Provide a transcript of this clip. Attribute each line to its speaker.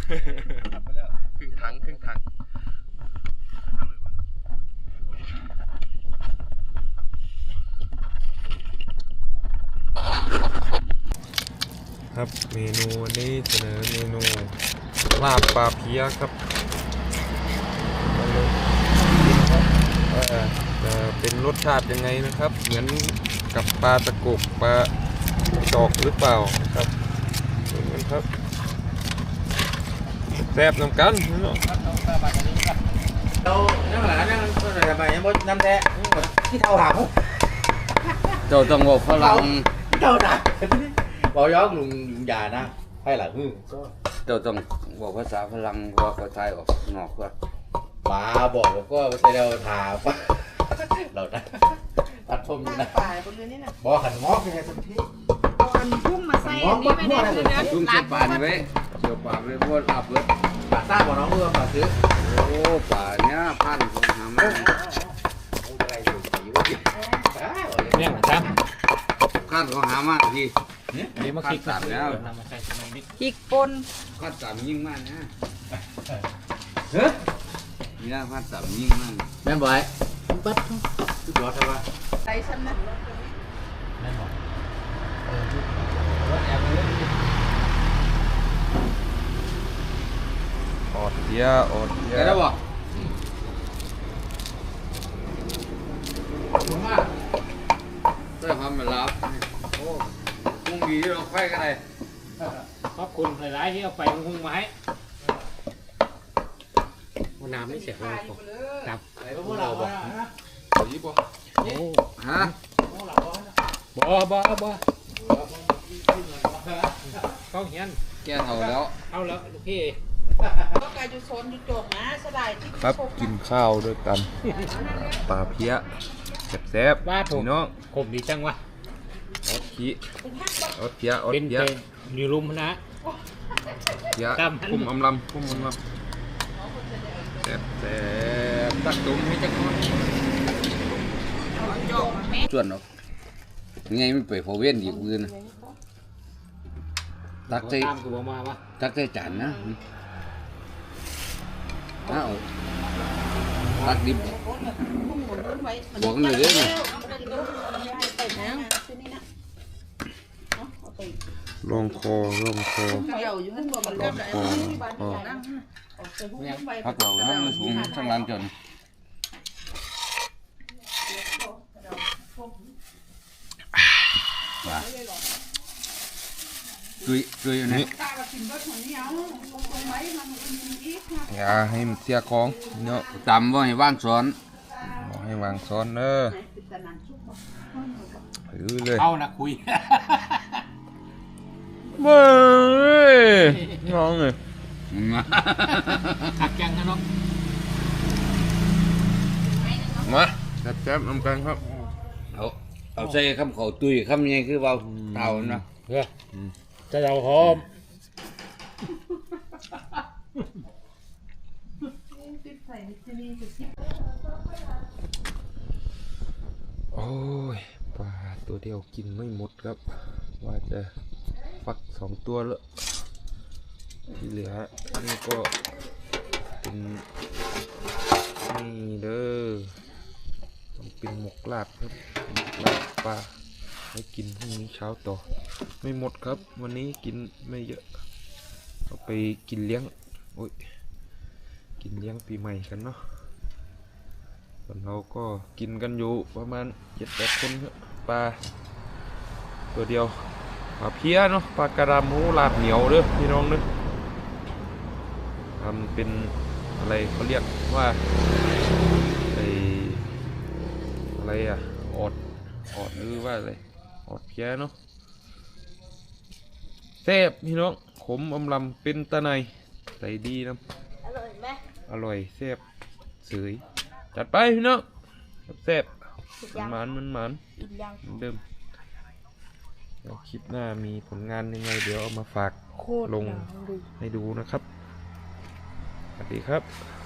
Speaker 1: ครึ่งถังครับเมนูวันนี้เสนอเมนูลาบปลาเพี้ยครับจะเป็นรสชาติยังไงนะครับเหมือนกับปลาตะกกปลาจอกหรือเปล่าครับดูกันครับแซ่บน้ำกันเนาะ
Speaker 2: เรานั่งหลังนั่งอะไรไปยังบ่น้ำแท้ที่เท่าหาง
Speaker 3: เจ้าต้องบอกฝรั่ง
Speaker 2: เท่าหางบอกย้อนลุงยานะให้หลัง
Speaker 3: เจ้าต้องบอกภาษาฝรั่งว่าเขาไทยออกนอกว่า
Speaker 2: มาบอกแล้วก็ไม่ใช่เราถามเราตัดผมอยู่นะบอกขันงอกยังไงสักที
Speaker 4: อันพุ่มมาใส่อันนี้ไม่ได้คือเนื้อ
Speaker 3: ลุงเชี่ยวป่านี่ไว้เชี่ยวป่าไว้พวกลาบเบิด
Speaker 2: ป่าซ่าบอกน้องเมื่อป่าซื้อ
Speaker 3: โอ้ป่าเนี้ยพันของหามา
Speaker 2: อะไรอยู่สีวะ
Speaker 1: เนี่ยครับ
Speaker 3: ขั้นของหามาที
Speaker 1: นี่มาคิกสับแล้ว
Speaker 4: พริกปน
Speaker 3: ขั้นสามยิ่งมากนะเนี่ยขั้นสามยิ่งมาก
Speaker 2: แม่นบ่อยปั๊บทุกยอดใช่ปะ
Speaker 4: ใส่ฉันนะ
Speaker 2: แม่นบ่อย
Speaker 1: อดเยอะ
Speaker 3: ได้บ่ได้ทำมาลับโอ้กุ้งดีเราไฟกันเลย
Speaker 1: ขอบคุณหลายๆที่เอาไปหุงมาให้น้ำไม่เสียเลยครับ
Speaker 2: พวกเราบ่
Speaker 1: ยี่ปะ
Speaker 3: ฮะ
Speaker 1: บ่เขาเห็น
Speaker 3: แกเท่าแล้ว
Speaker 1: เอาแล้วลูกพี่
Speaker 4: ก็กลายจุดโซนจุดโจกนะสบายที่
Speaker 1: ครับกินข้าวด้วยกันปลาเพี้ยแซ่บๆพี่น้องผมดีจังวะอดขี้อดเพี้ยมีรุมนะเพี้ยคุ้มอำลำแซ่บตักตุ้มให้จังหวะ
Speaker 3: ส่วนหรอกไงไม่ไปพอเวียนอีกมือนะตักใจจานนะอ้าวตักดิบบอกหน่อยได้ไหม
Speaker 1: ลองคอ
Speaker 3: พักเราถ้ามันสูงทั้งร้านจนว่าจุยนี่
Speaker 1: อย่าให้มันเสียของเนาะ
Speaker 3: จำว่าให้ว่างซ้อน
Speaker 1: ให้วางซ้อนเนอะเลย
Speaker 2: เอานะคุย
Speaker 1: เบ้ยน้องเลย
Speaker 2: ขัดยังนะน้อง
Speaker 1: มาแซ่บๆน้ำกันครับ
Speaker 3: เอาใส่คำเขาตุยคำยังคือเบาเต่านะ
Speaker 1: จะเอาหอมโอ้ยปลาตัวเดียวกินไม่หมดครับว่าจะฟัก2 ตัวแล้วที่เหลือนี่ก็เป็นนี่เด้อต้องเป็นหมกลาบครับหมกลาบปลาให้กินพรุ่งนี้เช้าต่อไม่หมดครับวันนี้กินไม่เยอะเอาไปกินเลี้ยงโอ้ยกินเลี้ยงปีใหม่กันเนาะส่วนเราก็กินกันอยู่ประมาณ7-8 คนครับปลาตัวเดียวปลาเพี้ยเนาะปลากระดามหูลาบเหนียวเด้อพี่น้องเด้อทำเป็นอะไรเขาเรียกว่าอะไรอะอดหรือว่าอะไรอดเพี้ยเนาะแซ่บพี่น้องขมอมลำเป็นตะไนใส่ดีนะ
Speaker 4: อร่อยไหม
Speaker 1: อร่อยแซ่บเสยจัดไปพี่น้องแซ่บมันเดิมแล้วคลิปหน้ามีผลงานยังไงเดี๋ยวเอามาฝากลงให้ดูนะครับสวัสดีครับ